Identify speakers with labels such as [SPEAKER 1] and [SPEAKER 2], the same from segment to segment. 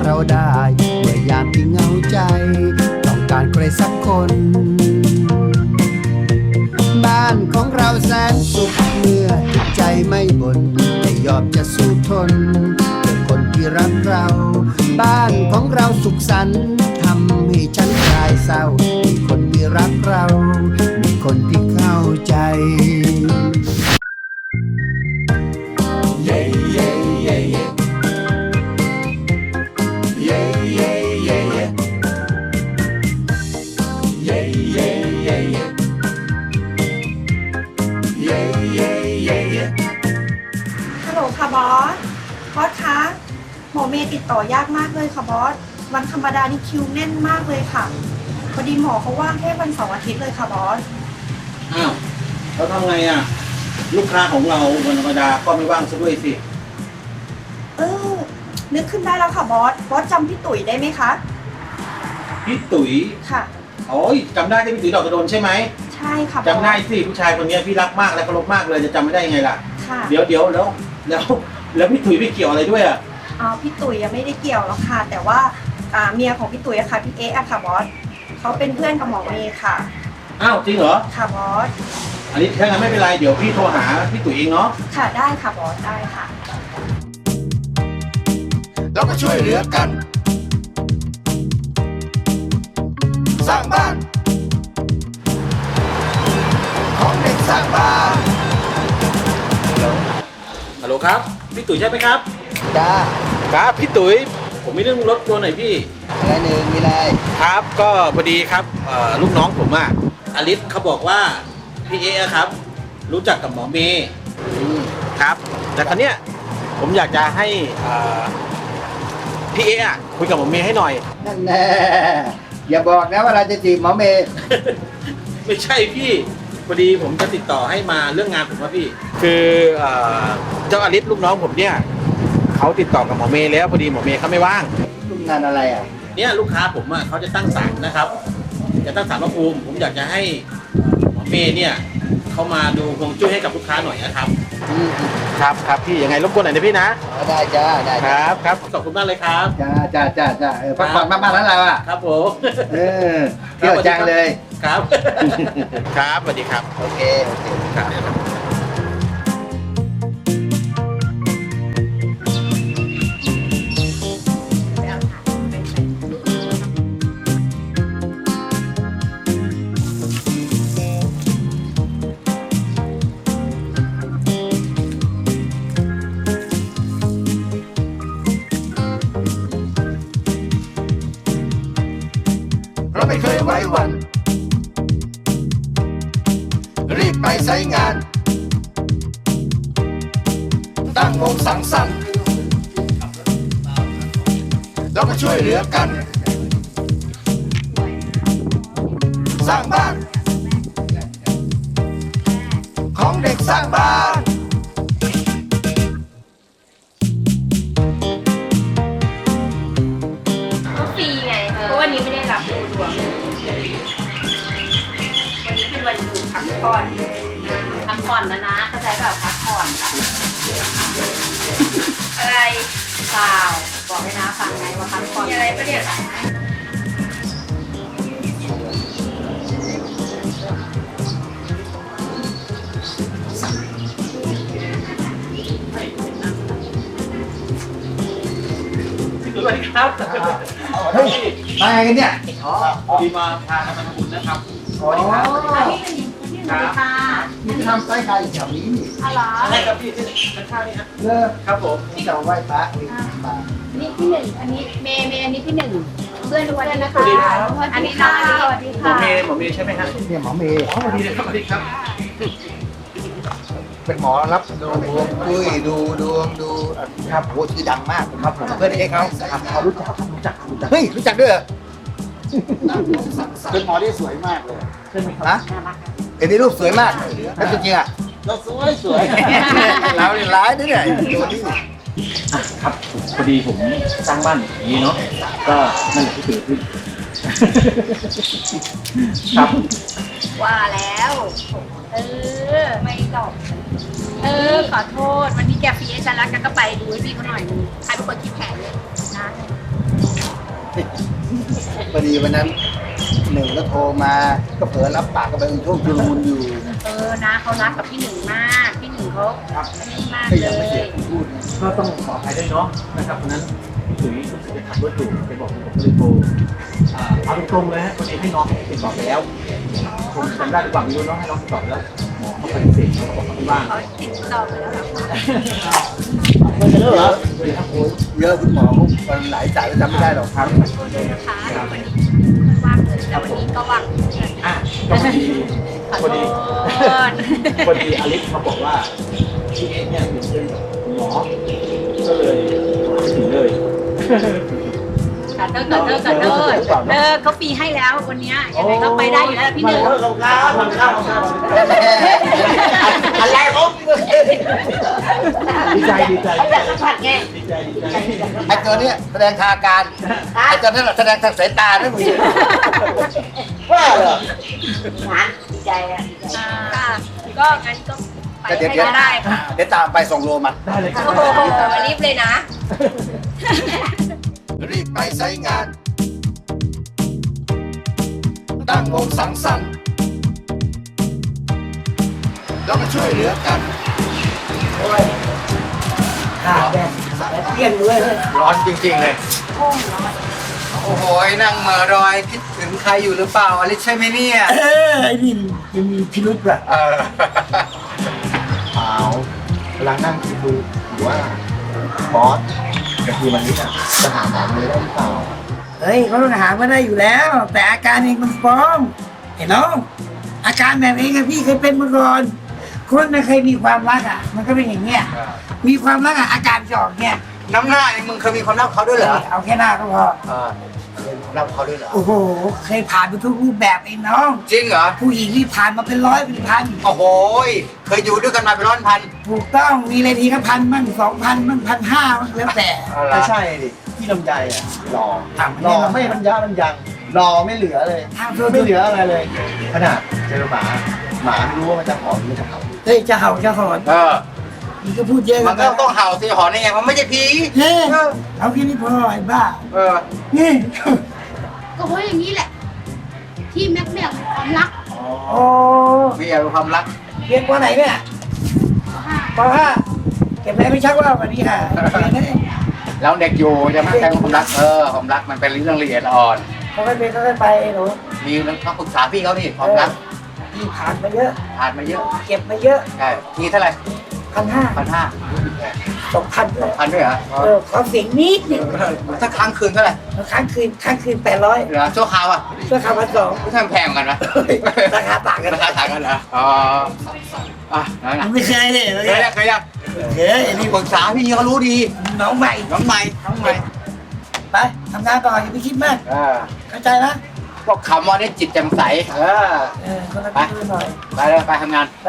[SPEAKER 1] เราได้เมื่อยามที่เหงาใจต้องการใครสักคนบ้านของเราแสนสุขเมื่อจิตใจไม่บ่นแต่ยอมจะสู้ทนเพื่อคนที่รักเราบ้านของเราสุขสันต์ทำให้ฉันคลายเศร้ามีคนที่รักเรามีคนที่เข้าใจ
[SPEAKER 2] ฮัลโหลค่ะบอสคะหมอเมย์ติดต่อยากมากเลยค่ะบอสวันธรรมดานี่คิวแน่นมากเลยค่ะพอดีหมอเขาว่างแค่วันเสาร์อาทิตย์เลยค่ะบอส
[SPEAKER 3] อ้าวเราทำไงอ่ะลูกค้าของเราวันธรรมดาก็ไม่ว่างซะด้วยสิ
[SPEAKER 2] นึกขึ้นได้แล้วค่ะบอสจำพี่ตุ๋ยได้ไหมคะ
[SPEAKER 3] พี่ตุ๋ย
[SPEAKER 2] ค่ะ
[SPEAKER 3] โอ้ยจำได้ที่พี่ตุ๋ยดอกกระโดนใช่ไหม
[SPEAKER 2] ใช่ค่ะบอส
[SPEAKER 3] จำได้สิผู้ชายคนนี้พี่รักมากและเคารพมากเลยจะจำไม่ได้ยังไงล่ะ
[SPEAKER 2] ค่ะ
[SPEAKER 3] เดี๋ยวแล้วพี่ตุ๋ยไปเกี่ยวอะไรด้วยอ่ะ
[SPEAKER 2] พี่ตุ๋ยยังไม่ได้เกี่ยวหรอกค่ะ แต่ว่าเมียของพี่ตุ๋ยอะค่ะพี่เอ๊ะอะค่ะบอสเขาเป็นเพื่อนกับหมอเมย์ค่ะ
[SPEAKER 3] อ้าวจริงเหรอ
[SPEAKER 2] ค่ะบอส
[SPEAKER 3] อันนี้ถ้างั้นไม่เป็นไรเดี๋ยวพี่โทรหาพี่ตุ๋ยเองเนาะ
[SPEAKER 2] ค่ะได้ค่ะบอสได้ค่ะ
[SPEAKER 1] เราก็ช่วยเหลือกัน สร้างบ้านของเด็กสร้างบ้าน
[SPEAKER 3] ฮัลโหลครับพี่ตุ๋ยใช่ไหมครับ
[SPEAKER 1] จ้า
[SPEAKER 3] ครับพี่ตุ๋ยผมมีเรื่องรบกวนหน่อยพี่
[SPEAKER 1] อะไรหนึ่งมีอะไร
[SPEAKER 3] ครับก็พอดีครับลูกน้องผมอะอลิสเขาบอกว่าพี่เอ๊ะครับ รู้จักกับหมอเมย์ครับแต่ครั้งเนี้ยผมอยากจะให้พี่เอ๊ะคุยกับหมอเมย์ให้หน่อย
[SPEAKER 1] นั่นแน่อย่าบอกนะว่าเราจะจีบหมอเมย์
[SPEAKER 3] ไม่ใช่พี่พอดีผมจะติดต่อให้มาเรื่องงานผมว่าพี่ คือเจ้าอลิสลูกน้องผมเนี่ยเขาติดต่อกับหมอเมย์แล้วพอดีหมอเมย์เขาไม่ว่าง
[SPEAKER 1] ทำงานอะไรอ่ะ
[SPEAKER 3] เนี่ยลูกค้าผมอ่ะเขาจะตั้งศาลนะครับ จะตั้งศาลพระภูมิผมอยากจะให้หมอเมย์เนี่ยเขามาดูฮวงจุ้ยให้กับลูกค้าหน่อยนะครับ ครับพี่ยังไงรบกวนหน่อยนะพี่นะ
[SPEAKER 1] ได้จ้าได้
[SPEAKER 3] ครับขอบคุณมากเลยครับ
[SPEAKER 1] จ้าพักผ่อนมากๆแล้วเราอ่ะ
[SPEAKER 3] ครับผม
[SPEAKER 1] เที่ยวจังเลย
[SPEAKER 3] ครับ ครับสวัสดีครับ
[SPEAKER 1] โอเค
[SPEAKER 3] ครับ
[SPEAKER 1] เราไม่เคยไว้วัน รีบไปใช้งาน ตั้งวงสังสรรค์เราก็ช่วยเหลือกัน สร้างบ้านของเด็กสร้างบ้าน
[SPEAKER 4] ก็ฟรีไง เพราะวันนี้ไม่ได้รับดูดวงวันนี้เป็นวันหยุดพักผ่อนนะเข้าใจเปล่าพักผ่อนอะไรเปล่าบอกให้นะฟังไงว่าพักผ่อนมีอะไรปะเนี่ย
[SPEAKER 3] สวัสดีครับ
[SPEAKER 1] เฮ้ยมาไงกันเนี่ย
[SPEAKER 3] พอดีมาพากันมาทำบุญนะครับ
[SPEAKER 1] สวัสดีครับ
[SPEAKER 4] ที่หนึ่งค่ะ
[SPEAKER 1] นี่ทำไส้ไก่แถวนี้นี่
[SPEAKER 4] อ๋อเหรอ
[SPEAKER 3] ใช่ครับพี่ที่ข้างๆนี่ฮะ
[SPEAKER 1] เลิก
[SPEAKER 3] ครับผม
[SPEAKER 1] ที่จะไหว้พระนี่มา
[SPEAKER 4] นี่ที่หนึ่งอันนี้เมย์อันนี้ที่หนึ่งเพื่อนทุกคนนะคะ อันนี้น้องสวัสดี
[SPEAKER 3] หมอ
[SPEAKER 4] ค่ะ
[SPEAKER 3] เมย์ใช่ไหมฮะ
[SPEAKER 1] เนี่ยหมอเมย์
[SPEAKER 3] สวัสดีครับสวัสดีครับ
[SPEAKER 1] เป็นหมอรับดูดวงคุยดูดวงดูครับโหชื่อดังมากครับผมเพื่อนเอกเขาครับเขารู้จักเฮ้ยรู้จักด้วยเหรอ
[SPEAKER 3] เป็นหมอที่สวยมากเลยใช่ไหมครับ
[SPEAKER 1] นะเอ็นนี่รูปสวยมากแล้วจริงๆอ่ะ
[SPEAKER 3] เราสวย
[SPEAKER 1] เราเนี่ยร้ายนะเนี่ยตัวนี้
[SPEAKER 3] ครับพอดีผมสร้างบ้านอย่างนี้เนาะก็นั่นแหละที่เกิดขึ้นครับ
[SPEAKER 4] ว่าแล้วไม่ตอบขอโทษวันนี้แกฟรีให้ฉันแล้วแกก็ไปดูให้พี่เขาหน่อยนึงใครเป็นคนคิดแผนเลยนะ
[SPEAKER 1] พอดีวันนั้นหนึ่งก็โทรมาก็เผลอรับปากก็ไปช่วงชุลมุนอยู่
[SPEAKER 4] นะเขารักกับพี่หนึ่งมากพี่หนึ่งเขานี่มาก
[SPEAKER 1] ก็
[SPEAKER 4] เล
[SPEAKER 1] ยังไม่เสีย
[SPEAKER 4] ย
[SPEAKER 1] คำพูด
[SPEAKER 3] ก็ต้องขออภัยด้วยเนาะนะครับเพราะฉะนั้นถึงรู้สึกจะขับรถอยู่ไปบอกผมก็เลยโทรเอาตรงๆเลยฮะวันนี้ให้น้องติดต่อไปแล้วผมจำได้หรือเปล่าไม่รู้เนาะให้น้องติดต่อไปแล้วหมอเขาปฏิเสธเขาบอกเขาไม่ว่าง
[SPEAKER 4] เขาติดต่อไปแล้วเหรอคะ
[SPEAKER 3] ไม่ใช่เหรอสวัสดีครับโอ้ย
[SPEAKER 1] เยอะคุณหมอมันหลายสายจำไม่ได้หรอกครับ
[SPEAKER 4] ขอโทษด้วยนะคะวันนี้ว่างเลยแต่วันนี้ก็ว่าง
[SPEAKER 3] อ่ะก็พอดี
[SPEAKER 4] ขอ
[SPEAKER 3] พอ
[SPEAKER 4] โท
[SPEAKER 3] ดี
[SPEAKER 4] ษ
[SPEAKER 3] พอดีอลิสเขาบอกว่าพี่เอ็กเนี่ยเป็นเพื่อนกับคุณหมอก็เลยมาถึงเลย
[SPEAKER 4] ขอโทษเขาฟรีให้แล้ววันนี้ยังไงก็ไปได้อยู่แล้วพี่หนึ่ง
[SPEAKER 3] ลงครับลงครับอะไรผมดีใจดีใจ
[SPEAKER 4] อยากสัมผัสไง
[SPEAKER 3] ดีใจดีใจ
[SPEAKER 1] ไอ้ตัวเนี้ยแสดงทางอาการไอ้ตัวนั้นแสดงทางสายตาไม่มี
[SPEAKER 3] ว่าเหรอ
[SPEAKER 4] ดีใจอ่ะค่ะก็งั้นก็ไปให้ก็ได้ค่ะ
[SPEAKER 1] เดี๋ยวตามไปส่งโลมา
[SPEAKER 3] ได้เลยครั
[SPEAKER 4] โอ้
[SPEAKER 3] บ
[SPEAKER 4] โหรีบเลยนะ
[SPEAKER 1] รีบไปใช้งาน ตั้งวงสังสรรค์แล้วมาช่วยเหลือกันโอ้ยขาดแบบเปรี้ยงเลยร้อนจริงๆเลย โอ้โหนั่งเหม่อรอยคิดถึงใครอยู่หรือเปล่าอลิซใช่ไหมเนี่ย
[SPEAKER 5] ไอ้นี่มันมีพิรุษว่ะ
[SPEAKER 1] เออ
[SPEAKER 5] เปล่ากำลังนั่งคิดดูอยู่ว่าบอสกับทีมวันนี้จะหาหมอมือได้หรือเปล่า
[SPEAKER 6] เฮ้ยเขาต้องหามาได้อยู่แล้ว แต่อาการเองมันฟ้องเห็นน้องอาการแบบเองอะพี่เคยเป็นมาก่อนคนนะเคยมีความรักอะมันก็เป็นอย่างเงี้ยมีความรักอะอาการจะออกเนี่ย
[SPEAKER 1] น้ำหน้าเองมึงเคยมีความรักเขาด้วยเหรอ
[SPEAKER 6] เอาแค่หน้าก็พอ
[SPEAKER 1] เคยมีความรักเขาด้วยเหรอ
[SPEAKER 6] โอ้โหเคยผ่านไปทุกรูปแบบไอ้น้อง
[SPEAKER 1] จริงเหรอ
[SPEAKER 6] ผู้หญิงที่ผ่านมาเป็นร้อยเป็นพัน
[SPEAKER 1] โอ้โหเคยอยู่ด้วยกันมาเป็นร้อยพัน
[SPEAKER 6] ถูกต้องมีอะไรทีก็1,000มั่ง2,000มั่ง1,500มั่งแล้วแต่
[SPEAKER 5] ไม่ใช่ดิพี่ลำไยอ่ะหล่อ
[SPEAKER 6] ถาม
[SPEAKER 5] หล่อ
[SPEAKER 6] แน่นอน
[SPEAKER 5] ไม่บรรยะบรรยังหล่อไม่เหลือเลย
[SPEAKER 6] ทางเธอ
[SPEAKER 5] ไม่เหลืออะไรเลยขนาดเจอหมาไม่รู้ว่ามันจะหอมหรือมันจะเห่า
[SPEAKER 6] เฮ้ยจะเห่าจะหอน มันก็พูดเยอะ
[SPEAKER 1] มันก็ต้องเห่าสิหอนได้ไงมันไม่ใช่ผี
[SPEAKER 6] เฮ้ยเอาแค่นี้พอไอ้บ้า นี่
[SPEAKER 4] ก็เพราะอย่างนี้แหละ ที่แม็กเนี่ยความรัก
[SPEAKER 6] โอ้
[SPEAKER 1] มีอะไรความรัก
[SPEAKER 6] เรียนปไหนเนี่ยป .5 เก็บแรงไม่ชักว่าวันนี้ค่ะเรียนได้
[SPEAKER 1] แล้วเด็กอยู่จะไม่ใช่ความรักความรักมันเป็นเรื่องละเอียดอ่อน
[SPEAKER 6] เขาก็เป็นก็ไปหนู
[SPEAKER 1] มีเรื่องต้องปรึกษาพี่เขานี่ความรัก
[SPEAKER 6] พี่ผ่านมาเยอะ
[SPEAKER 1] ผ่านมาเยอะ
[SPEAKER 6] เก็บมาเยอะ
[SPEAKER 1] ใช่ทีเท่าไหร่
[SPEAKER 6] 1,500
[SPEAKER 1] 1,500
[SPEAKER 6] 2,000ด้วย
[SPEAKER 1] พันด้วยเหรอ
[SPEAKER 6] ขอเสียงนิดหนึ่ง
[SPEAKER 1] ถ้าค้างคืนเท่าไหร่
[SPEAKER 6] ค้างคืน800
[SPEAKER 1] เหรอชั่วคราวอ่ะ
[SPEAKER 6] เพื่อคำ1,200
[SPEAKER 1] ไม่ใช่แพงกันนะ
[SPEAKER 6] ราคาต่างกัน
[SPEAKER 1] ราคาต่างกันเหรออ๋อนั่นนะ
[SPEAKER 6] ไม่เคยเลย
[SPEAKER 1] เคยยังเคยยัง
[SPEAKER 6] เฮ้ย
[SPEAKER 1] นี่ปรึกษาพี่เขารู้ดี
[SPEAKER 6] น้องใหม่
[SPEAKER 1] น้องใหม่น้องใหม่
[SPEAKER 6] ไปทำงานต่ออย่าไปคิดมากเข้าใจนะ
[SPEAKER 1] พวกคำว่านี่จิตแจ่มใส
[SPEAKER 6] คนละคิดหน่อย
[SPEAKER 1] ไปเลยไปทำงาน
[SPEAKER 6] ไป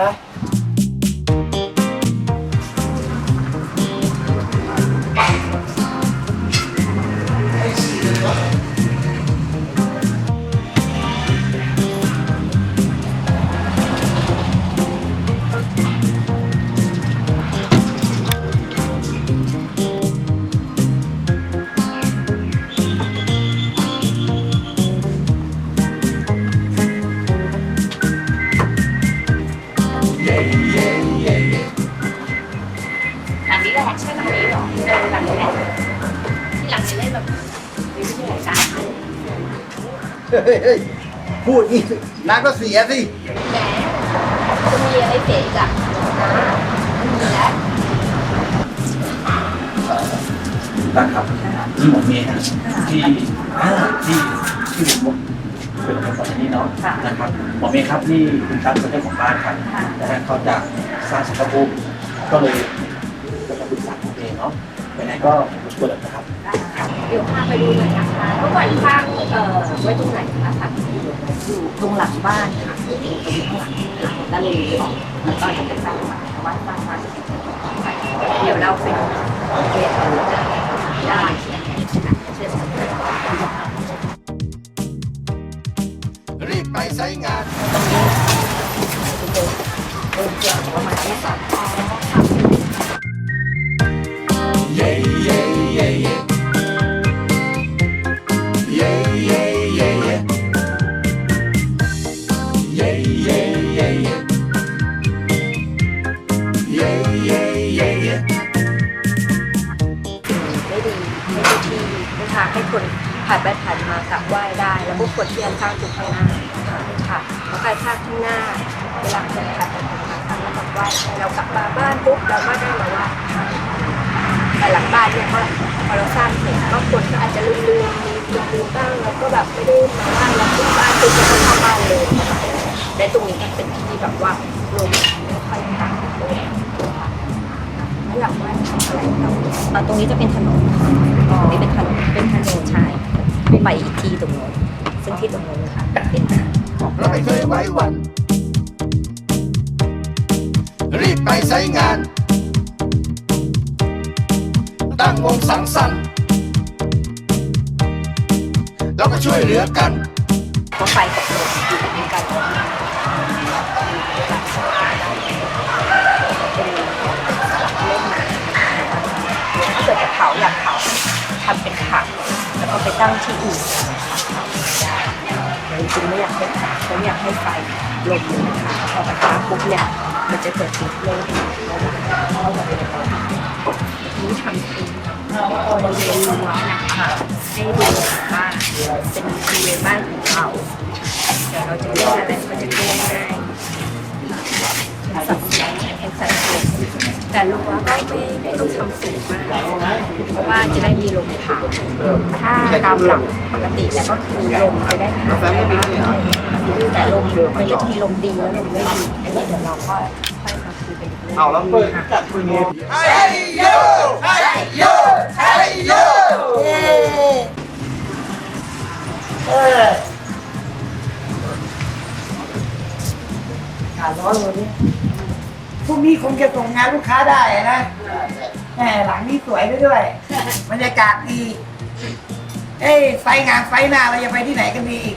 [SPEAKER 4] หลังนี้แหละใช่หลังนี้เหรอหลังนี้แหละที่หลังนี้เล่นแบบไม่ใช่รายการ
[SPEAKER 1] พูดอีกน้ำก็เสียสิ
[SPEAKER 4] แหมจะมีอะไรเสียอีกอ่ะมีแล้ว
[SPEAKER 3] นะครับนี่หมอเมย์นะที่ที่ผมเป็นคนสอนที่นี่เนาะนะครับหมอเมย์ครับนี่คุณตั๊กเป็นเจ้าของบ้านครับนะฮะเขาจะสร้างสังคมก็เลยจะมาปรึกษาหมอเมย์เนาะไปไหนก็รบกวนนะครับ
[SPEAKER 4] เดี๋ยวพาไปดูหน่อยนะคะเมื่อก่อนข้างไว้ตรงไหนนะคะอยู่ตรงหลังบ้านค่ะตรงข้างหลังค่ะด้านเลยออกแล้วก็จะเป็นบ้านวัดเดี๋ยวเราไปดูเรียนได้เชิญ
[SPEAKER 1] รีบไปใช้งาน
[SPEAKER 4] ประมาณนี้ค่ะ
[SPEAKER 1] เย่เย่เย่เย่
[SPEAKER 4] ทางให้คนผ่านไปผ่านมากราบไหว้ได้ แล้วก็คนที่ข้างๆตรงข้างหน้าค่ะเพราะการข้างข้างหน้าเวลาคนผ่านไปผ่านมาทางแล้วกราบไหว้เรากลับมาบ้านปุ๊บเราก็ได้มาไหว้แต่หลังบ้านเนี่ยพอเราสร้างเสร็จก็คนก็อาจจะลืมบ้างแล้วก็แบบไม่ได้มาไหว้เราปุ๊บบ้านปุ๊บก็เข้าบ้านเลยและตรงนี้มันเป็นที่แบบว่าลมไม่ค่อยผ่านเลยไม่อยากไหว้อะไรเราตรงนี้จะเป็นถนนตรงนี้เป็นถนนใช่ไปอีกที่ตรงโน้นซึ่งที่ตรงโน้นนะคะเป็น
[SPEAKER 1] เราไม่เคยไว้วัน รีบไปใช้งาน ตั้งวงสังสรรค์เราก็ช่วยเหลือกัน
[SPEAKER 4] ก็ไฟกับลมอยู่ด้วยกันถ้าเกิดจะเผาอยากเผาทำเป็นผักแล้วก็ไปตั้งที่อื่นจริงๆไม่อยากให้เขาอยากให้ไฟลมนะคะพอกระทะปุ๊บเนี่ยมันจะเกิดติดลมนี้ทำเป็นบริเวณรั้วนะคะให้ดูว่าเป็นบริเวณบ้านของเราเดี๋ยวเราจะเล่นอะไรก็จะเล่นง่ายสับสนเป็นสัดส่วนแต่รั้วก็ไม่ต้องทำสูงมากเพราะว่าจะได้มีลมผ่านถ้าตามหลักปกติแล้วก็คือลมจะได้ผ่านแต่ลมมันจะมีลมดีแล้วลมไม่ดีอันนี้เดี๋ยวเราก็ค่อยมาคุยกันอีกเรื่อง
[SPEAKER 5] เอาแล้วเปิดจัดคุยเงี้ย
[SPEAKER 6] อากาศร้อนวันนี้พรุ่งนี้คงจะส่งงานลูกค้าได้นะแหมหลังนี้สวยด้วยบรรยากาศดีเอ้ยไฟงานไฟหน้าเราจะไปที่ไหนกันดีอีก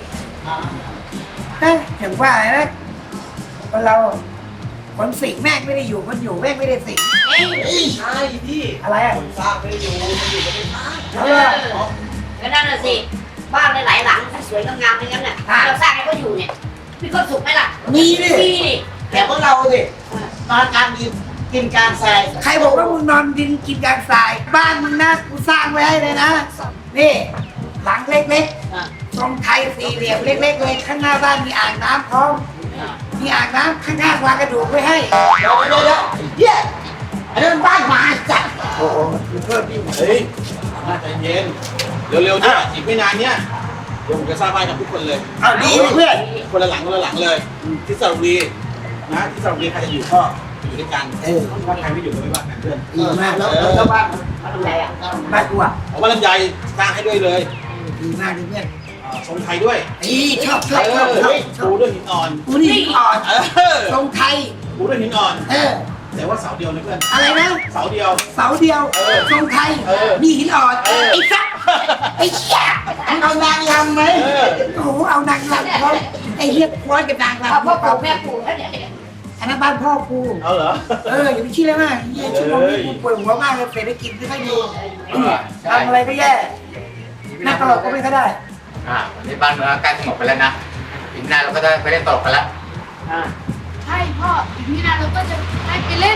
[SPEAKER 6] ถึงว่านะคนเราคนสิงแม่งไม่ได้อยู่คนอยู่แม่งไม่ได้สิง
[SPEAKER 5] ใช่พี่
[SPEAKER 6] อะไรอ่ะ
[SPEAKER 5] คนสร้างไม่ได้อยู่มันอยู่กันไม่ได้
[SPEAKER 7] ก็นั่นน่ะสิบ้านหลายๆหลังสวยๆงามๆอย่างนั้นน่ะเราสร้างให้เขาอยู่เนี่ยมีความสุขไหมล่ะ
[SPEAKER 6] มีดิ
[SPEAKER 7] มีนี่
[SPEAKER 5] แต่พวกเราดินอนกลางดินกินกลางทราย
[SPEAKER 6] ใครบอกว่ามึงนอนดินกินกลางทราย บ้านมึงนะกูสร้างไว้ให้เลยนะนี่หลังเล็กๆ ตรงไทยสี่เหลี่ยมเล็กๆเลยข้างหน้าบ้านมีอ่างน้ำพร้อมมีอ่างน้ำข้างๆวางกระดูกไว้ให้
[SPEAKER 5] เดี๋ยวเฮียอันนั้นบ้านหมาจัดโอ้โหเพิ่มพี่
[SPEAKER 8] เฮ้ยใจเย็น เร็วๆเนี่ยอีกไม่นานเนี่ยเดี๋ยวผมจะสร้างบ้านกับทุกคนเลย
[SPEAKER 5] เอาดีเพื่อน
[SPEAKER 8] คนละหลังเลย ที่สระบุรีนะที่สระบุรีใครจะอยู่ก็อยู่ด้วยกันถ้าใครไม่อยู่ก็ไม่ว่ากันเพื่อน
[SPEAKER 5] ดีมากแล้วบ้าน
[SPEAKER 7] อะไรอ่ะ
[SPEAKER 6] บ้านกูอ่ะ
[SPEAKER 8] เอาว่าลำไยสร้างให้ด้วยเลย
[SPEAKER 6] ดีมากเลยเพื่อน
[SPEAKER 8] ทรงไทยด้วย
[SPEAKER 6] ชอบชอบชอบชอบชอ
[SPEAKER 8] ปู
[SPEAKER 6] บ
[SPEAKER 8] ด้วยหินอ่อน
[SPEAKER 6] กูนี่หินอ่อน
[SPEAKER 8] เออ
[SPEAKER 6] ตรงไทย
[SPEAKER 8] ปูด้วยหินอ่อน แต่ว่าเสาเดียวนะเพื่อน
[SPEAKER 6] อะไรนะ
[SPEAKER 8] เสาเดียว
[SPEAKER 6] เสาเดียวตรงไทยมีหินอ่อนไอ้สัสไอ้เหี้ยมึงเอานางรำไหมโอ้โหเอานางรำเขาไอ้เหี้ยคอยกับนางรำ
[SPEAKER 7] พ่อปู่แม่ปู่แล้วเนี่ย
[SPEAKER 6] อันนั้นบ้านพ่อกู
[SPEAKER 8] เอาเหรอ
[SPEAKER 6] อย่าไปคิดเลยมากเหี้ยชั่วโมงนี้กูปวดหัวมากเลยเศรษฐกิจไม่ค่อยดีทำอะไรก็แย่นักตลกก็ไม่ค่อยได้
[SPEAKER 9] วันนี้บ้านเมืองใกล้สงบไปแล้วนะอีกหน้าเราก็จะไปเล่นตลกกันแล้ว
[SPEAKER 10] ใช่พ่ออีกนี่นะเราก็จะได้ไปเล่น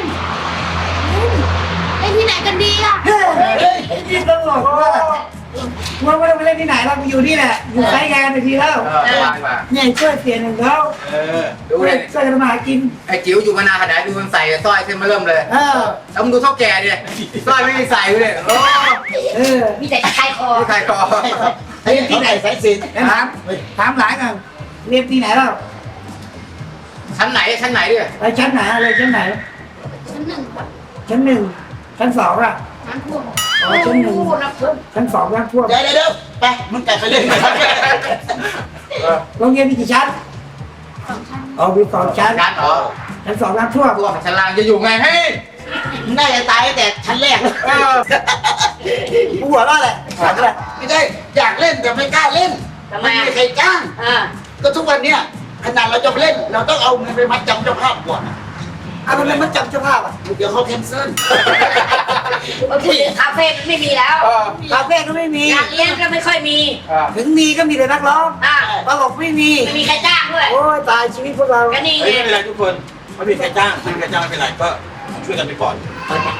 [SPEAKER 10] ที่ไหนกันดีอ่ะ
[SPEAKER 6] เฮ้ยไอ้นี่ตลกว่าไม่ต้องไปเล่นที่ไหนเราไปอยู่นี่แหละอยู่ใช้งานไปทีแล้ว
[SPEAKER 9] สบายกว่า
[SPEAKER 6] เนี่ยช่วยเสียหนึ่งแล้ว
[SPEAKER 9] ดูเลย
[SPEAKER 6] ช่วยกันมาหากิน
[SPEAKER 9] ไอ้จิ๋วอยู่มานานขนาดดูมันใส่สร้อยขึ้นมาเริ่มเลย แล้วมึงดูเท่าแก่ดิสร้อยไม่ได้ใส่เลยโอ้
[SPEAKER 7] มีแต่ใครคอ
[SPEAKER 9] ไม่ใครคอ
[SPEAKER 5] ไอ้ที่ไหนสายสิน
[SPEAKER 6] ถามหลานกันเรียนที่ไหนแล้ว
[SPEAKER 9] ชั้นไหนดิ
[SPEAKER 6] ไปชั้นไหนอะไรชั้นไหน
[SPEAKER 10] ชั้นหนึ่ง
[SPEAKER 6] ชั้นหนึ่งชั้นสองอ่ะ
[SPEAKER 10] น้ำท่วม
[SPEAKER 6] ชั้นหนึ่งชั้นสองน้ำท่วม
[SPEAKER 5] เดี๋ยวไปมึงกลับไปเล่นกัน
[SPEAKER 6] โรงเรียนมีกี่ชั้น
[SPEAKER 10] 2 ชั้น
[SPEAKER 6] มี2 ชั้น
[SPEAKER 9] ชั้นอ๋อ
[SPEAKER 6] ชั้นสองน้ำท่วม
[SPEAKER 9] ตัวของชั้นล่างจะอยู่ไงเฮ้ย
[SPEAKER 5] มึงน่าจะตายตั้งแต่ชั้นแรก
[SPEAKER 6] กูหัวเราะแหละถามอะไร
[SPEAKER 5] ไม่ได้อยากเล่นแต่ไม่กล้าเล่น
[SPEAKER 7] ทำไม
[SPEAKER 5] ไม่
[SPEAKER 7] อ่ะ
[SPEAKER 5] มีใครจ้าง ก็ทุกวันเนี้ยขนาดเราจะไปเล่น เราต้องเอาเงินไปมัดจำเจ้าภาพก่อน
[SPEAKER 6] เอาทำไมมันจำเจ้าภาพอ่ะ
[SPEAKER 5] เดี๋ยวเขาแคนเซิล
[SPEAKER 7] บางทีคาเฟ่มันไม่มีแล้ว
[SPEAKER 6] คาเฟ่ก็ไม่มี
[SPEAKER 7] งานเลี้ยงก็ไม่ค่อยมี
[SPEAKER 6] ถึงมีก็มีแต่นักร้อง
[SPEAKER 7] อ่ะ
[SPEAKER 6] ตลกไม่มี
[SPEAKER 7] ไม่มีใครจ้างด้วย
[SPEAKER 6] โอ้ยตายชีวิตพวกเรา
[SPEAKER 7] ก็นี่
[SPEAKER 8] เฮ้ย
[SPEAKER 7] ไง
[SPEAKER 8] ไม่เป็นไรทุกคนไม่มีใครจ้างไม่มีใครจ้างไม่เป็นไรก็ช่วยกันไปก่อนเนาะ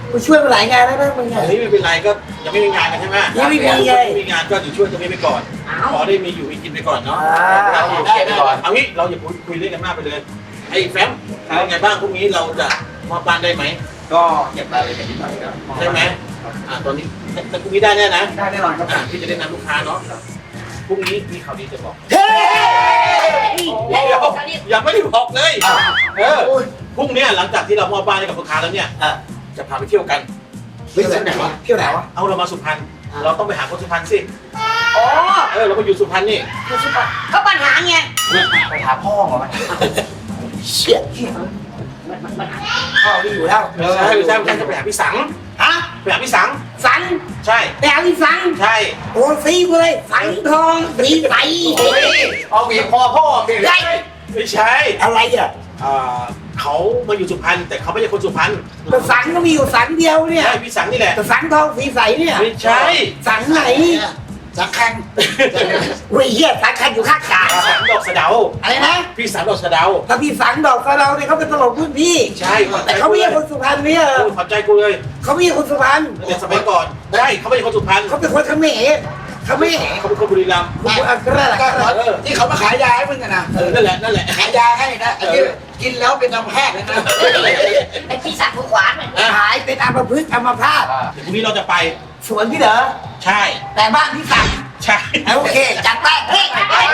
[SPEAKER 6] กูช่วยมาหลายงานแล้วนะมึง
[SPEAKER 8] เฮ้ยไม่เป็นไรก็ยังไม่มีงานกันใช่ไหม
[SPEAKER 6] ยังไม่มีเลย
[SPEAKER 8] ไม่มีงานก็อยู่ช่วยตรงนี้ไปก่อนขอได้มีอยู่มีกินไปก่อนเนาะ
[SPEAKER 9] เราอยู่เก็บไปก่อน
[SPEAKER 8] เอางี้เราอย่าคุยเรื่องกันมากไปเลยไอ้แฟมเป็นไงบ้างพรุ่งนี้เราจะมอบบ้านได้ไหม
[SPEAKER 9] ก็เก็บรายละเอียดนิดหน่อยครับ
[SPEAKER 8] ใช่ไหมตอนนี้แต่พรุ่งนี้ได้แน่นะ
[SPEAKER 9] ได้แน่นอนครับ
[SPEAKER 8] พี่จะได้นำลูกค้าเนาะพรุ่งนี้มีข่าวดีจะบอก
[SPEAKER 6] เฮ้ย
[SPEAKER 8] เดี๋ยวยังไม่ได้บอกเลยพรุ่งนี้หลังจากที่เรามอบบ้านให้กับลูกค้าแล้วเนี่ยจะพาไปเที่ยวกัน
[SPEAKER 6] เที่ยวไหนวะเที่ยวไหนวะ
[SPEAKER 8] เอาเรามาสุพรรณเราต้องไปหาคนสุพรรณสิ
[SPEAKER 7] อ๋อ
[SPEAKER 8] เราไปอยู่สุพรรณนี่
[SPEAKER 7] ก็ปัญหาไง
[SPEAKER 9] ไปหาพ่อเหรอ
[SPEAKER 6] เชี่ยพ่อนี่อยู่แล้ว
[SPEAKER 8] ใช่จะไปหาพี่สัง
[SPEAKER 6] ฮะ
[SPEAKER 8] ไปหาพี่สัง
[SPEAKER 6] สัง
[SPEAKER 8] ใช่
[SPEAKER 6] แต่เอาที่สัง
[SPEAKER 8] ใช่
[SPEAKER 6] โอ้ซีกูเลยสังทองสีใส
[SPEAKER 9] โอ้ยเอาหวีคอพ่อพี่
[SPEAKER 6] ได้
[SPEAKER 8] ไม่ใช่
[SPEAKER 6] อะไรอ่ะ
[SPEAKER 8] เขามาอยู่สุพรรณแต่เขาไม่ใช่คนสุพรรณ
[SPEAKER 6] แต่สังก็มีอยู่สังเดียวเนี่ย
[SPEAKER 8] ใช่พี่สังนี่แหละ
[SPEAKER 6] แต่สังทองสีใสเนี่ย
[SPEAKER 8] ไม่ใช่
[SPEAKER 6] สังไหน
[SPEAKER 5] สักครั้ง
[SPEAKER 6] เว้ยเหี้ยสังคันอยู่ข้างกา
[SPEAKER 8] พี่สังดอกสะเดา
[SPEAKER 6] อะไรนะ
[SPEAKER 8] พี่สังดอกสะเดา
[SPEAKER 6] ถ้าพี่สังดอกกระเราเนี่ยเขาเป็นตลกรุ่นพี่
[SPEAKER 8] ใช่
[SPEAKER 6] แต่เขาไม่ใช่คนสุพรรณเนี่ย
[SPEAKER 8] ขอบใจกูเลย
[SPEAKER 6] เขาไม่ใช่คนสุพรรณ
[SPEAKER 8] ในสมัยก่อนใช่เขาไม่ใช่คนสุพรรณ
[SPEAKER 6] เขาเป็นคนเขมรเขาไม่
[SPEAKER 8] เขาเป็นคนบุรีรัมย์
[SPEAKER 6] ก็ได้แหละ
[SPEAKER 5] ที่เขามาขายยาให้มึงกันนะ
[SPEAKER 8] นั่นแหละ
[SPEAKER 5] ขายยาให้นะไอ้ที่กินแล้วเป็นอัมพาตเลยนะ
[SPEAKER 7] ไอ้พี่สักหัวขวานมัน
[SPEAKER 6] หายเป็นอัมพฤกษ์อัมพาต
[SPEAKER 8] เดี๋ยวพรุ่งนี้เราจะไป
[SPEAKER 6] สวนพี่เหรอ
[SPEAKER 8] ใช่
[SPEAKER 6] แต่บ้านพี่สัง
[SPEAKER 8] ใช่
[SPEAKER 6] โอเคจัดไปเฮ้ย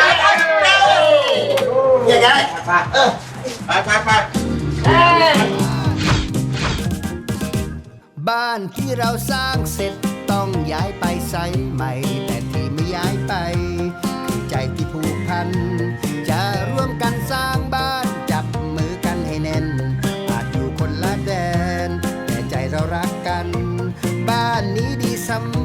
[SPEAKER 6] อย่างไง
[SPEAKER 8] ไป
[SPEAKER 1] บ้านที่เราสร้างเสร็จต้องย้ายไปไซต์ใหม่ แต่ที่ไม่ย้ายไปคือใจที่ผูกพัน จะร่วมกันสร้างบ้านจับมือกันให้แน่น อาจอยู่คนละแดน แต่ใจเรารักกัน บ้านนี้ดีสำ